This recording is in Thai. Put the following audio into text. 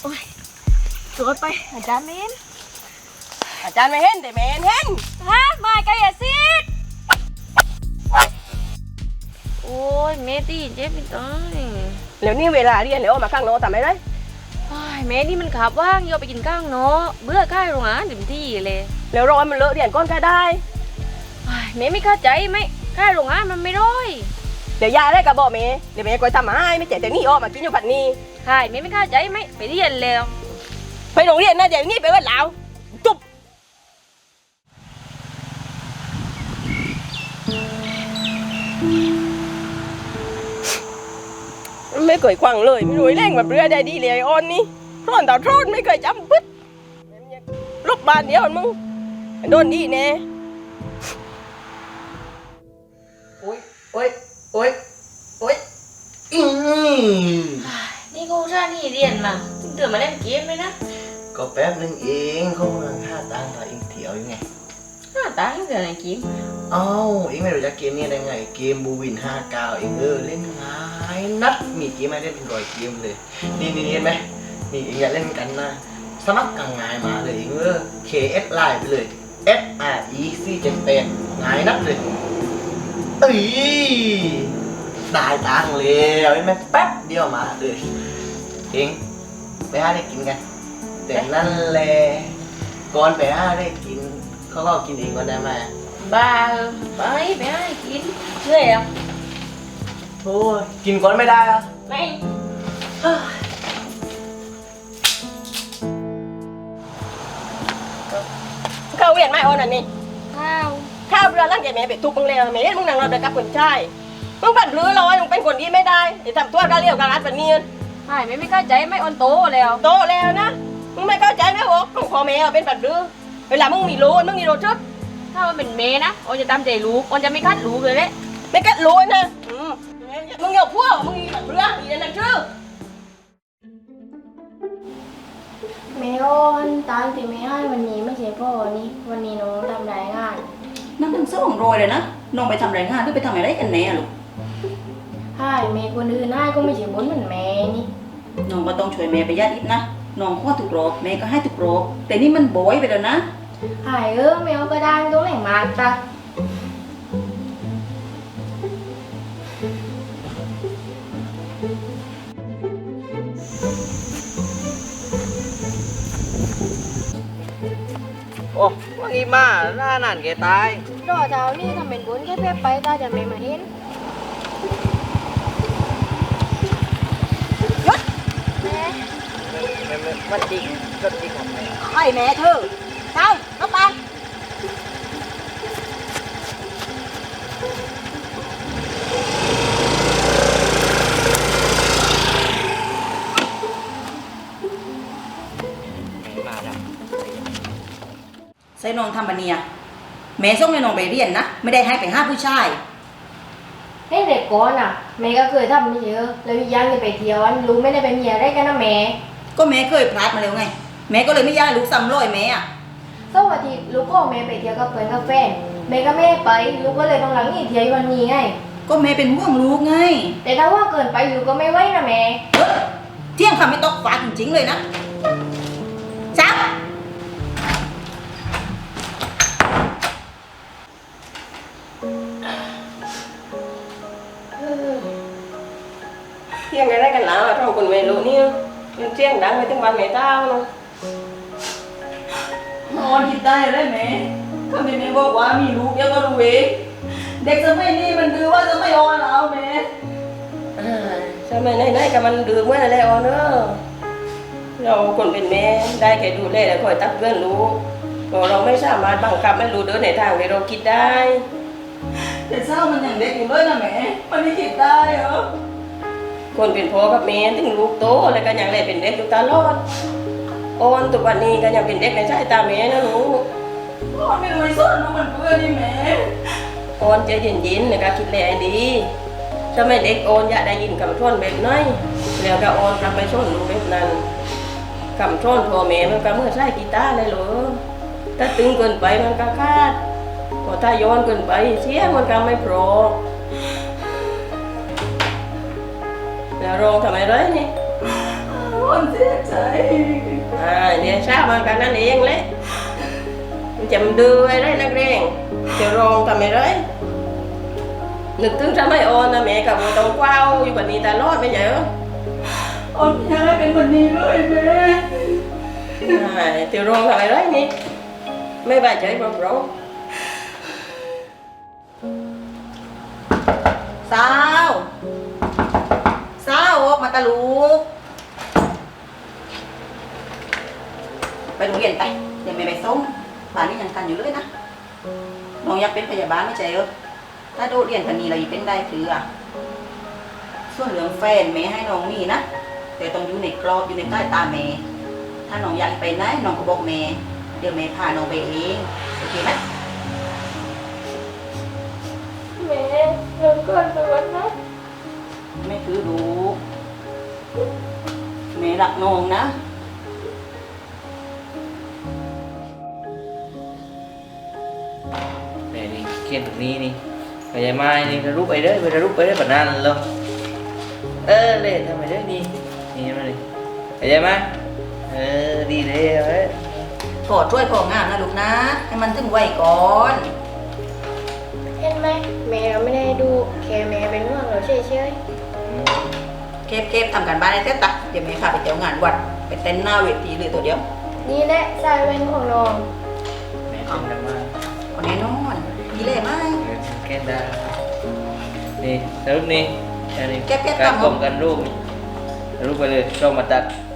โอ้ยสวดไปอาจารย์ไม่เห็นอาจารย์ไม่เห็นแต่แม่เห็นฮะมาไกลอะซิดโอ้ยเมตี้เจ็บไม่ต้องแล้วนี่เวลาเรียนแล้วมาข้างนอกทำไมได้แม่นี่มันขับว่างโยไปกินข้างเนาะเบื่อข้าวโรงอาหารเต็มที่เลยแล้วรอมันเลอะเรียนก้อนก็ได้แม่ไม่เข้าใจไหมข้าวโรงอาหารมันไม่ร้อยเดี๋ยวยาได้กับบอกเมย์เดี๋ยวเมย์คอยทำมาให้ไม่เจ็บแต่นี่ออกมากินอยู่ผัดนี้ใช่แม่ไม่เข้าใจไหมไปเรียนแล้วไปโรงเรียนนะเดี๋ยวนี้ไปวันลาวจุ๊บไม่เคยควังเลยไม่รู้แรงแบบเรือได้ดีเลยออนนี่ร้อนต่อร้อนไม่เคยจำปึ๊ดลูกบานเดียวมึงโดนดีแน่โอ้ยโอ้ยโอ้ยโอ้ยนี่กูท่านี่เรียนมาถึงเดือมาเล่นเกมไหมนะก็แป๊บนึงเองเขากำลังท่าตังกับเองเถียวยังไงตังเดือนไหนเกมเอ้าเองไม่รู้จักเกมนี้ได้ไงเกมบูวิน59เองเล่นง่ายนัดมีเกมมาเล่นเป็นร้อยเกมเลยนี่เห็นไหมนี่เองอยากเล่นกันนะสมัครกันง่ายมาเลยเองKS ไลน์ไปเลย FREC78ง่ายนัดเลยเอ้ยได้ตังเลยเห็นไหมแป๊บเดียวมาเลยเองไปหาได้กินกันแต่นั่นแหละก่อนไปหาได้กินเขาก็กินเองก็ได้ไหมบ้าไปให้กินเรื่อยอ่ะโอ้ยกินก่อนไม่ได้อ่ะไม่ข้าวเวียนไม่ออนอันนี้ข้าวเรือร่างแกแม่เป็ดทุกมึงเลยแม่เห็นมึงนั่งรอเด็กกับคนชายมึงผัดรื้อร้อยมึงเป็นคนดีไม่ได้อย่าทำตัวกระเลี้ยวกระรัดแบบนี้ใช่ไม่เข้าใจไม่ออนโตแล้วนะมึงไม่เข้าใจไหมโอ้ของพ่อแม่เป็นผัดรื้อเวลามึงมีโลชุดถ้ามันเป็นเมนะออนจะตามใจลูกออนจะไม่คัดลูกเลยแหละไม่กัดโลนะมึงเหนียวพวกมึงมีผัดรื้อมีนั่นชื่อแม่อ้อนตามที่แม่ให้วันนี้ไม่ใช่พ่อนี่วันนี้น้องทำรายงานนั่นทั้งสองรอยเลยนะน้องไปทำรายงานหรือไปทำอะไรกันแน่ลูกให้แม่คนอื่นให้ก็ไม่ใช่บุญเหมือนแม่นี่น้องก็ต้องช่วยแม่ประหยัดอีกนะน้องข้อถูกรอบแม่ก็ให้ถูกรอบแต่นี่มันโบยไปแล้วนะให้แม่เอาก็ได้ตรงไหนมาตาโอ้ว่างี้มาหน้านั่นแกตายรอเช้านี่ทำเป็นบุญแค่เพื่อไปตาจะไม่มาเห็นแม่มันจริงก็จริงของแม่ไอ้แม่เธอเช้าเข้าไปใส่น้องทำบันเนียแม่ส่งให้น้องไปเรียนนะไม่ได้ให้ไปหาผู้ชายให้เด็กก่อนอ่ะแม่ก็เคยทำไม่เยอะแล้วยังจะไปเที่ยวลูกไม่ได้ไปเมียได้กันนะแม่ก็แม่เคยพลาดมาแล้วไงแม่ก็เลยไม่อยากให้ลูกซ้ำรอยแม่อ่ะก็วันที่ลูกก็แม่ไปเที่ยวกับเพื่อนกับแฟนแม่ก็แม่ไปลูกก็เลยต้องหลังนี่เที่ยววันนี้ไงก็แม่เป็นห่วงลูกไงแต่ถ้าว่าเกินไปลูกก็ไม่ไหวนะแม่เที่ยงคำไม่ตกฟ้าจริงๆเลยนะจ้าเที่ยงได้กันแล้วเราคนเวรุนี่มันเที่ยงดังไปถึงบ้านแม่เต้าเนาะนอนคิดได้เลยแม่ถ้าแม่บอกว่ามีลูกยังก็รู้เองเด็กสมัยนี้มันดื้อว่าจะไม่อ่อนแล้วแม่สมัยไหนๆกับมันดื้อเมื่อไรอ่อนเนอะเราคนเป็นแม่ได้แค่ดูแลและคอยตักเตือนลูกเราไม่สามารถบังคับให้ลูกเดินในทางที่เราคิดได้แต่เศร้ามันอย่างเด็กอยู่เลยนะแม่มันไม่คิดได้เหรอคนเป็นพ่อกับแม่ถึงลูกโตแล้วก็ยังได้เป็นเด็กอยู่ตลอดอ่อนทุกวันนี้ก็ยังเป็นเด็กในสายตาแม่นะลูกอ่อนไม่รู้สอนมันเพื่อนนี่แม่อ่อนใจเย็นๆแล้วก็คิดแลดีถ้าไม่เด็กอ่อนอยากได้ยินคำท่อนแบบน้อยแล้วก็อ่อนกลับไปชนลูกแบบนั้นคำท่อนพ่อแม่มันก็เมื่อใช้กีตาร์เลยเหรอถ้าตึงเกินไปมันก็ขาดพอถ้าย้อนเกินไปเสียงมันก็ไม่เพราะแล้วร้องทำไมไรนี่ออนเสียใจเนี่ยทราบมากันนั่นเองเลยมันจะมันดื้อไอ้ไรนักเรียนเดี๋ยวรองทำไมไรนึกถึงทำไมออนนะแม่กับต้องกว้าวอยู่แบบนี้ตลอดไม่ใช่เหรอออนอยากให้เป็นคนนี้เลยแม่เดี๋ยวรองทำไมไรนี่ไม่บาดใจเปล่าสาวออกมาตะลูกไปโรงเรียนไปเดี๋ยวแม่ไปส่งบ้านนี้ยังทันอยู่เลยนะน้องอยากเป็นพยาบาลไม่ใช่เหรอถ้าโดดเรียนกันนี้เราอีเป็นได้คืออ่ะส่วนเรื่องแฟนแม่ให้น้องมีนะแต่ต้องอยู่ในกรอบอยู่ในใต้ตาแม่ถ้าน้องอยากไปไหนน้องก็บอกแม่เดี๋ยวแม่พาน้องไปเองโอเคไหมแม่เริ่มก่อนไปวันนะแม่คือลูกแม่รักน้องนะแม่นี่เขียนแบบนี้นี่ไปยายไม้นี่ระลุไปเด้อไประลุไปเด้อแบบนั้นเลยเล่นทำไมเด้อนี่มาเลยไปยายไม้ดีเลยเว้ยขอช่วยพ่องานนะลูกนะ ให้มันถึงไวก่อนเห็นไหมแม่เราไม่ได้ดูแค่แม่เป็นห่วงเราเฉยเคฟทำการบ้านในเต้ตักเดี๋ยวแม่พาไปเที่ยวงานวัดไปเต้นหน้าเวทีเลยตัวเดียวๆนี่แหละสายเว้นของน้องแม่เป็นกันมาเอาแน่นอนดีเลยไหมแก้ได้นี่แล้วนี่อันนี้เก็บการทำกลมกันรูปนี่รูปไปเลยช่องมาตัด